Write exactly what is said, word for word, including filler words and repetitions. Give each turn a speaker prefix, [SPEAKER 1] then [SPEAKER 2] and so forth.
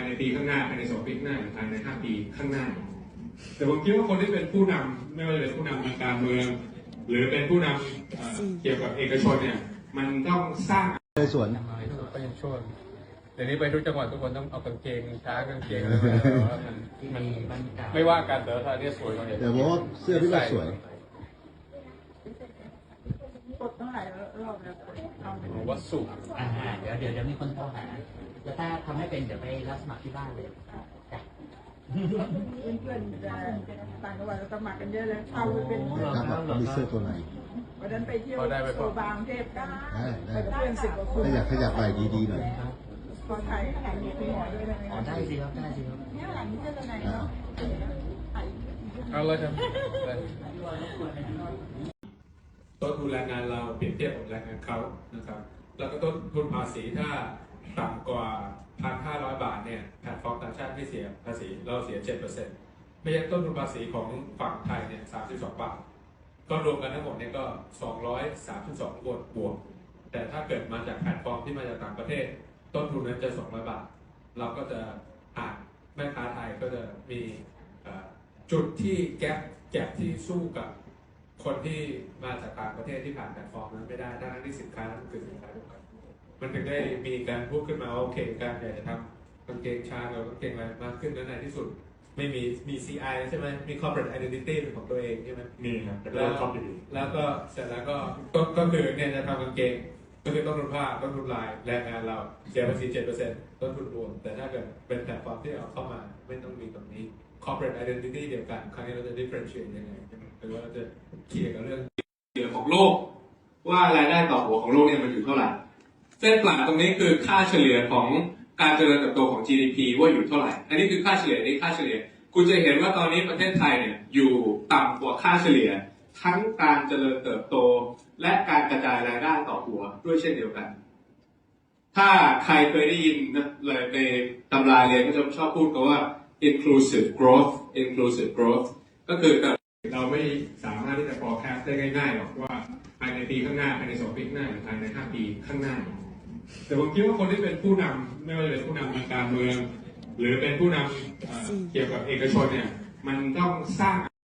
[SPEAKER 1] ในปีข้างหน้าภายในสองปีข้างหน้าหรือภายในห้าปีข้างหน้าแต่ผมคิดว่าคนที่เป็นผู้นำไม่ว่าจะเป็นผู้นำทางการเมืองหรือเป็นผู้นำเกี่ยวกับเอกชนเนี่ยมันต้องสร้าง
[SPEAKER 2] ในส่วน
[SPEAKER 3] ก็ยังช่วงเดี๋ยวนี้ไปทุกจังหวัดทุกคนต้องเอากางเกงช้างกางเกงอะไรมามันมันไม่ว่ากันแต่ถ้าเนี่ยสวยกว่าเนี่ย
[SPEAKER 2] แต่ว่าเสื้อพี่ก็สวย
[SPEAKER 4] กดตั้งหลายรอบแล้ว
[SPEAKER 3] ผมว่าสุก
[SPEAKER 5] อ่าเดี๋ยวเดี๋ยวเดี๋ยวมีคนโทรหาแล้วถ้าทำให้เป็นเดี๋ยวไปรับสมัครที่บ้านเลยจ้ะ
[SPEAKER 4] เพื่อนๆจะต่างจังหวัดสมัครกันเยอะเลยเอาไปเป็น
[SPEAKER 2] ครับมีเสื้อตัวไหน
[SPEAKER 4] วันนั้นไปเที่ยวโซบางเทพกันไปกับเพื่อนสิบกว่าคน
[SPEAKER 2] ถ้าอยากขยับไปดีๆหน่อย
[SPEAKER 4] พอไทยถ่ายมีคุณหมอด้วยนะ
[SPEAKER 5] อ๋อได้สิครับได้สิครับ
[SPEAKER 4] เนี่ยหลังนี้จะเป็นไงเนาะ
[SPEAKER 3] เอาเลยครับ
[SPEAKER 1] ต้นทุนแรงงานเราเปรียบเทียบกับแรงงานเขานะครับแล้วก็ต้นทุนภาษีถ้าต่ำกว่า หนึ่งพันห้าร้อย บาทเนี่ยแพลตฟอร์มต่างชาติไม่เสียภาษีเราเสีย เจ็ดเปอร์เซ็นต์ ไม่ใช่ต้นทุนภาษีของฝั่งไทยเนี่ยสามสิบสองบาทก็รวมกันทั้งหมดเนี่ยก็สองร้อยสามสิบสองบวกบวกแต่ถ้าเกิดมาจากแพลตฟอร์มที่มาจากต่างประเทศต้นทุนนั้นจะสองร้อยบาทเราก็จะอ่านแม่ค้าไทยก็จะมีจุดที่แก๊ปแก๊ปที่สู้กับคนที่มาจากต่างประเทศที่ผ่านแพลตฟอร์มนั้นไม่ได้ทั้งที่สินค้านั้นคือสินค้าเดียวกันมันถึงได้มีการพูดขึ้นมาโอเคการอยากจะทำกางเกงชาหรือกางเกงอะไรมากขึ้นนั้นในที่สุดไม่มีมี ซี ไอ ใช่ไหมมี corporate identity เป็นของตัวเองใช่ไหม
[SPEAKER 6] มีครับ
[SPEAKER 1] แล้วแล้วก็เสร็จแล้วก็ก็ก็คือเนี่ยจะทำกางเกงก็คือต้นทุนผ้าต้นทุนลายแรงงานเราเสียภาษี เจ็ดเปอร์เซ็นต์ ต้นทุนรวมแต่ถ้าเกิดเป็นแพลตฟอร์มที่เอาเข้ามาไม่ต้องมีตรงนี้ corporate identity เดียวกันครั้งนี้เราจะ differentiate ยังไงหรือว่าเราจะเคลียร์กับเรื่องเกี่ยวของโลกว่ารายได้ต่อหัวของโลกเนี่ยมันอยู่เท่าไหร่เส้นปลาตรงนี้คือค่าเฉลี่ยของการเจริญเติบโตของ จี ดี พี ว่าอยู่เท่าไหร่อันนี้คือค่าเฉลี่ยนี่ค่าเฉลี่ยคุณจะเห็นว่าตอนนี้ประเทศไทยเนี่ยอยู่ต่ำกว่าค่าเฉลี่ยทั้งการเจริญเติบโตและการกระจายรายได้ต่อหัวด้วยเช่นเดียวกันถ้าใครเคยได้ยินเลยในตำราเรียนก็จะชอบพูดกันว่า inclusive growth inclusive growth ก็คือเราไม่สามารถที่จะ forecast ได้ง่ายๆหรอกว่าภายในปีข้างหน้าภายในสองปีข้างหน้าหรือภายในห้าปีข้างหน้าแต่ผมคิดว่าคนที่เป็นผู้นำไม่ว่าจะเป็นผู้นำทางการเมืองหรือเป็นผู้นำเกี่ยวกับเอกชนเนี่ยมันต้องสร้าง